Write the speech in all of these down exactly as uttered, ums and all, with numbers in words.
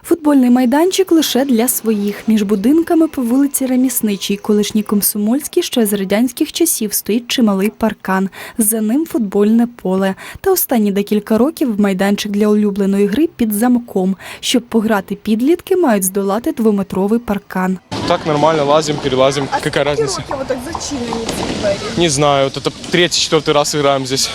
Футбольний майданчик лише для своїх. Між будинками по вулиці Ремісничій, колишній Комсомольській, ще з радянських часів стоїть чималий паркан. За ним футбольне поле. Та останні декілька років майданчик для улюбленої гри під замком. Щоб пограти підлітки, мають здолати двометровий паркан. Так нормально, лазим, перелазим. А Какая разница? скільки років отак зачинені ці двері? Не знаю, вот это третий, четвертый раз играем здесь.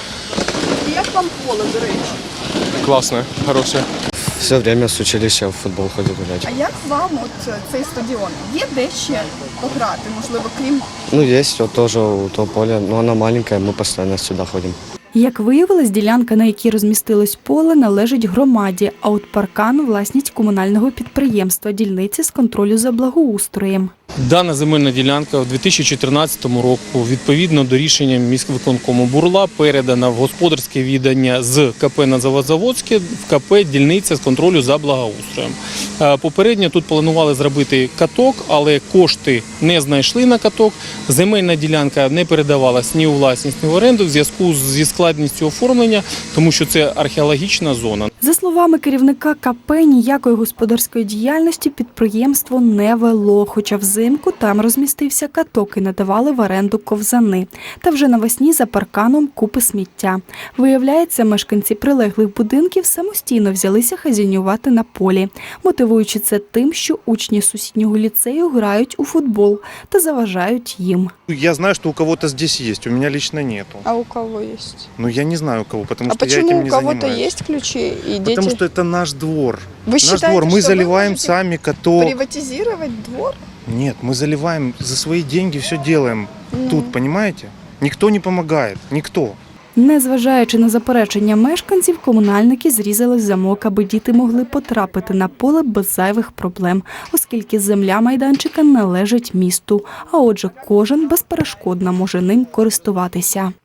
І як вам поле, до речі? Классное, хорошее. Все время с училища в футбол ходил гулять. А як вам от цей стадіон? Є де ще пограти, можливо, крім... Ну, есть вот тоже у того поля, но оно маленькое, мы постоянно сюда ходим. Як виявилось, ділянка, на якій розмістилось поле, належить громаді, а от паркан – власність комунального підприємства «Дільниці з контролю за благоустроєм». Дана земельна ділянка у дві тисячі чотирнадцятому року, відповідно до рішення міськвиконкому, була передана в господарське віддання з КП «Надзаводзаводське» в КП «Дільниця з контролю за благоустроєм». Попередньо тут планували зробити каток, але кошти не знайшли на каток. Земельна ділянка не передавалась ні у власність, ні в оренду в зв'язку зі складністю оформлення, тому що це археологічна зона. За словами керівника КП, ніякої господарської діяльності підприємство не вело, хоча взимку там розмістився каток і надавали в оренду ковзани. Та вже навесні за парканом купи сміття. Виявляється, мешканці прилеглих будинків самостійно взялися хазяйнувати на полі, мотивуючи це тим, що учні сусіднього ліцею грають у футбол та заважають їм. Я знаю, что у кого-то здесь есть, у меня лично нету. А у кого есть? Но я не знаю у кого, потому А что я этим почему не у кого-то занимаюсь. есть ключи и дети? Потому что это наш двор. Вы Наш считаете, двор. Мы что вы заливаем можете сами каток. Приватизувати двор? Нет, мы заливаем за свои деньги, все делаем Ну. тут, понимаете? Никто не помогает, никто. Незважаючи на заперечення мешканців, комунальники зрізали замок, аби діти могли потрапити на поле без зайвих проблем, оскільки земля майданчика належить місту, а отже кожен безперешкодно може ним користуватися.